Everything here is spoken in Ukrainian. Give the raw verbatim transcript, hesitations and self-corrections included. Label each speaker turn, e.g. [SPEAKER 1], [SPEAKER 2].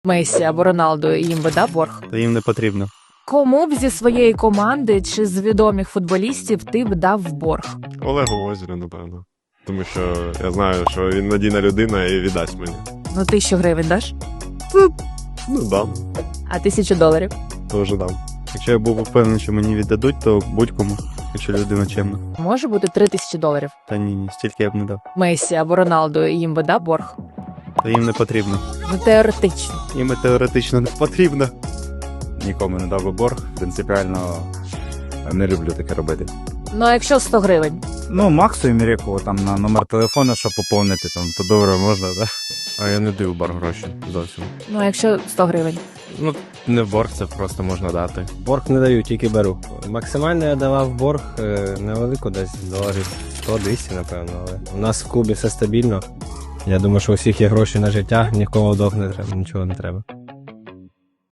[SPEAKER 1] Месі або Роналду їм би дав борг?
[SPEAKER 2] Та їм не потрібно.
[SPEAKER 1] Кому б зі своєї команди чи з відомих футболістів ти б дав борг?
[SPEAKER 3] Олегу Озеру, напевно. Тому що я знаю, що він надійна людина і віддасть мені.
[SPEAKER 1] Ну тисячу гривень даш?
[SPEAKER 3] Ну, дам.
[SPEAKER 1] А тисячу доларів?
[SPEAKER 3] Тоже дам.
[SPEAKER 2] Якщо я був упевнений, що мені віддадуть, то будь-кому, якщо людина чемна.
[SPEAKER 1] Може бути три тисячі доларів.
[SPEAKER 2] Та ні, ні, стільки я б не дав.
[SPEAKER 1] Месі або Роналду їм би дав борг?
[SPEAKER 2] Та їм не потрібно.
[SPEAKER 1] Ну теоретично.
[SPEAKER 2] Їм і теоретично не потрібно.
[SPEAKER 4] Нікому не дав би борг. Принципіально не люблю таке робити.
[SPEAKER 1] Ну а якщо сто гривень?
[SPEAKER 4] Ну, Максу і Міряку там на номер телефону, щоб поповнити, там, то добре можна, так?
[SPEAKER 5] А я не даю борг гроші зовсім.
[SPEAKER 1] Ну а якщо сто гривень?
[SPEAKER 5] Ну, не борг, це просто можна дати.
[SPEAKER 6] Борг не даю, тільки беру. Максимально я давав борг е, невелико, десь доларів сто двісті, напевно. Але у нас в клубі все стабільно. Я думаю, що у всіх є гроші на життя, нікому довг не треба, нічого не треба.